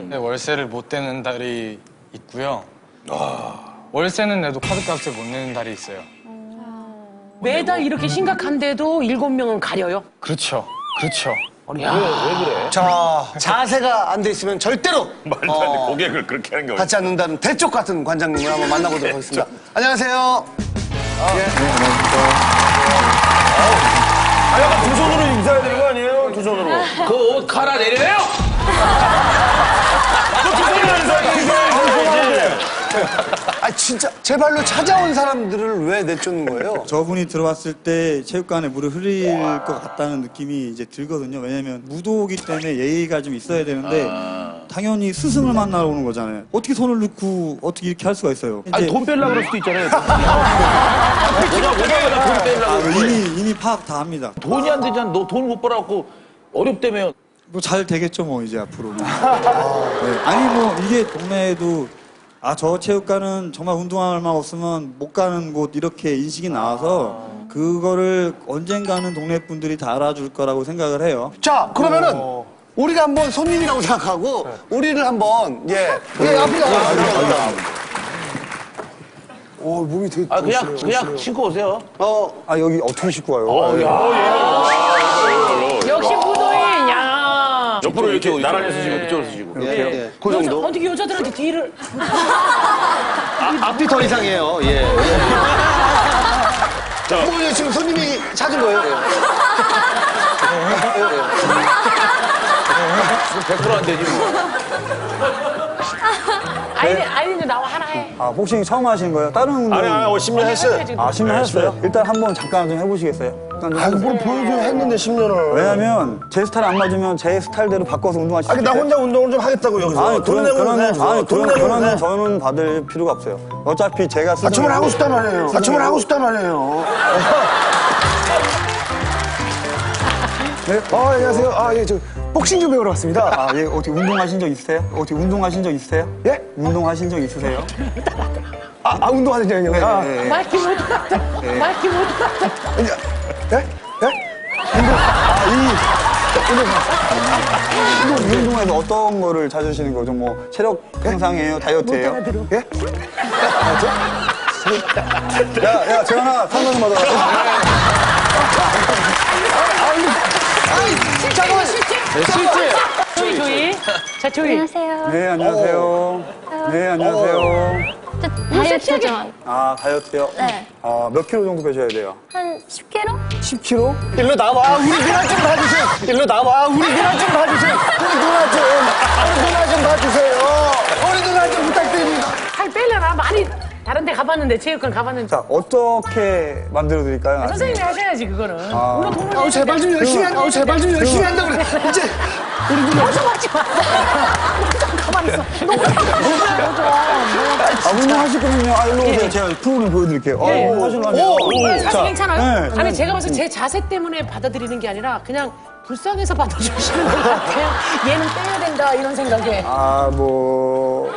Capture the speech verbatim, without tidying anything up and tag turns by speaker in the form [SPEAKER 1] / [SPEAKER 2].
[SPEAKER 1] 네, 월세를 못 내는 달이 있고요. 월세는 내도 카드값을 못 내는 달이 있어요.
[SPEAKER 2] 매달 이렇게 심각한데도 일곱 명은 가려요?
[SPEAKER 1] 그렇죠. 그렇죠.
[SPEAKER 3] 아니, 왜, 왜 그래?
[SPEAKER 4] 자, 자세가 안 돼 있으면 절대로
[SPEAKER 5] 말도 안 돼. 고객을 그렇게 하는 게
[SPEAKER 4] 받지 않는다는 대쪽 같은 관장님을 한번 만나보도록 하겠습니다. 안녕하세요.
[SPEAKER 5] 아, 약간 두 손으로 인사해야 되는 거 아니에요? 두 손으로.
[SPEAKER 3] 그 옷 갈아 내려요?
[SPEAKER 5] 두 손으로 인사해, 두 손으로 인사해.
[SPEAKER 4] 아, 진짜 제 발로 찾아온 사람들을 왜 내쫓는 거예요?
[SPEAKER 6] 저분이 들어왔을 때 체육관에 물을 흘릴 것 같다는 느낌이 이제 들거든요. 왜냐면 무도이기 때문에 예의가 좀 있어야 되는데
[SPEAKER 3] 아.
[SPEAKER 6] 당연히 스승을 만나러 오는 거잖아요. 어떻게 손을 넣고 어떻게 이렇게 할 수가 있어요?
[SPEAKER 3] 아니,
[SPEAKER 6] 이제
[SPEAKER 3] 돈 뺄라고 그럴 수도 있잖아요. 뭐냐, 뭐냐, 돈 뺄라고.
[SPEAKER 6] 아, 이미 이미 파악 다 합니다.
[SPEAKER 3] 돈이 안 되잖아. 너 돈 못 벌어갖고 어렵다며.
[SPEAKER 6] 뭐 잘 되겠죠 뭐 이제 앞으로. 네. 아니 뭐 이게 동네에도 아 저 체육관은 정말 운동할 만 없으면 못 가는 곳 이렇게 인식이 나와서 그거를 언젠가는 동네 분들이 다 알아줄 거라고 생각을 해요.
[SPEAKER 4] 자, 그러면은 우리가 한번 손님이라고 생각하고 우리를 한번 예, 예 앞으로 나가세요. 오, 몸이 되게
[SPEAKER 3] 아, 그냥,
[SPEAKER 4] 멋있어요,
[SPEAKER 3] 그냥
[SPEAKER 4] 멋있어요.
[SPEAKER 3] 신고 오세요.
[SPEAKER 4] 어, 아 여기 어떻게 싣고 와요?
[SPEAKER 3] 어, 야.
[SPEAKER 2] 역시 무도인, 야.
[SPEAKER 5] 옆으로 이렇게
[SPEAKER 3] 이쪽으로,
[SPEAKER 5] 나란히
[SPEAKER 3] 이쪽으로.
[SPEAKER 5] 서시고
[SPEAKER 3] 이쪽으로 서시고.
[SPEAKER 4] 예, 예. 그
[SPEAKER 2] 여자,
[SPEAKER 4] 정도?
[SPEAKER 2] 어떻게 여자들한테 뒤를.
[SPEAKER 4] 앞이 더 이상해요. 예. 뭐 지금 손님이 찾은 거예요?
[SPEAKER 3] 백 퍼센트 안 되지, 뭐.
[SPEAKER 2] 아이린, 아이린도 나와 하나 해.
[SPEAKER 7] 아, 복싱 처음 하시는 거예요? 다른 운동?
[SPEAKER 5] 아니, 아니, 십 년 했어요.
[SPEAKER 7] 아, 십 년 하셨어요? 일단 한번 잠깐 좀 해보시겠어요? 일단 좀
[SPEAKER 4] 아, 뭘 보여줘 했는데 십 년을.
[SPEAKER 7] 왜냐면 제 스타일 안 맞으면 제 스타일대로 바꿔서 운동할 수
[SPEAKER 5] 아니, 나
[SPEAKER 7] 있어요.
[SPEAKER 5] 혼자 운동을 좀 하겠다고, 여기서.
[SPEAKER 7] 아니,
[SPEAKER 5] 돈
[SPEAKER 7] 그런,
[SPEAKER 5] 내고
[SPEAKER 7] 그런,
[SPEAKER 5] 해야죠.
[SPEAKER 7] 아니,
[SPEAKER 5] 돈
[SPEAKER 7] 그런,
[SPEAKER 5] 내고
[SPEAKER 7] 그런
[SPEAKER 5] 해.
[SPEAKER 7] 저는 받을 필요가 없어요. 어차피 제가 쓰는.
[SPEAKER 4] 같이 뭘 하고 싶단 말이에요. 같이 뭘 하고 싶단 말이에요. 네? 아, 안녕하세요. 아, 예, 저 복싱 좀 배우러 왔습니다.
[SPEAKER 7] 아, 예, 어떻게 운동하신 적 있으세요? 어떻게 운동하신 적 있으세요?
[SPEAKER 4] 예?
[SPEAKER 7] 운동하신 적 있으세요?
[SPEAKER 4] 아, 아 운동하는 장요.
[SPEAKER 7] 네,
[SPEAKER 4] 아,
[SPEAKER 7] 네, 네.
[SPEAKER 2] 말기 못하다. 말기 못하다.
[SPEAKER 4] 예? 예?
[SPEAKER 7] 운동, 운동에서 어떤 거를 찾으시는 거죠? 뭐, 체력 향상이에요? 다이어트예요?
[SPEAKER 4] 예?
[SPEAKER 7] 야, 야, 재현아, 상담 좀 받아라.
[SPEAKER 4] 잠깐만.
[SPEAKER 2] 실제. 조이, 조이. 자, 조이.
[SPEAKER 8] 안녕하세요.
[SPEAKER 7] 네, 안녕하세요. 네, 안녕하세요.
[SPEAKER 8] 저 다이어트 좀.
[SPEAKER 7] 아, 다이어트요?
[SPEAKER 8] 네.
[SPEAKER 7] 아, 몇 킬로 정도 빼셔야 돼요?
[SPEAKER 8] 한 십 킬로그램?
[SPEAKER 7] 십 킬로?
[SPEAKER 4] 일로 나와. 우리 누나 좀 봐주세요. 일로 나와. 우리 누나 좀 봐주세요. 우리 누나 좀. 우리 누나 좀 봐주세요. 우리 누나 좀 부탁드립니다.
[SPEAKER 2] 살 빼려나? 많이 다른 데 가봤는데, 체육관 가봤는데.
[SPEAKER 7] 자, 어떻게 만들어 드릴까요?
[SPEAKER 2] 선생님이 하셔야지, 그거는. 우리가 돈을
[SPEAKER 4] 아우, 제발 좀 열심히 한다. 아우, 제발 좀 열심히 한다 그래. 이제 우리 누나.
[SPEAKER 2] 벌써 먹지 마. 좀 가만히 있어. 너무
[SPEAKER 7] 아, 운동하실 거면요. 아, 일로 오세요. 제가 프로그램 보여드릴게요. 아,
[SPEAKER 2] 예.
[SPEAKER 7] 운동하시려면.
[SPEAKER 2] 오, 사실
[SPEAKER 7] 자,
[SPEAKER 2] 괜찮아요?
[SPEAKER 7] 네.
[SPEAKER 2] 아니, 제가 봐서 제 자세 때문에 받아들이는 게 아니라 그냥 불쌍해서 받아주시는 것 같아요. 얘는 빼야 된다, 이런 생각에.
[SPEAKER 7] 아, 뭐.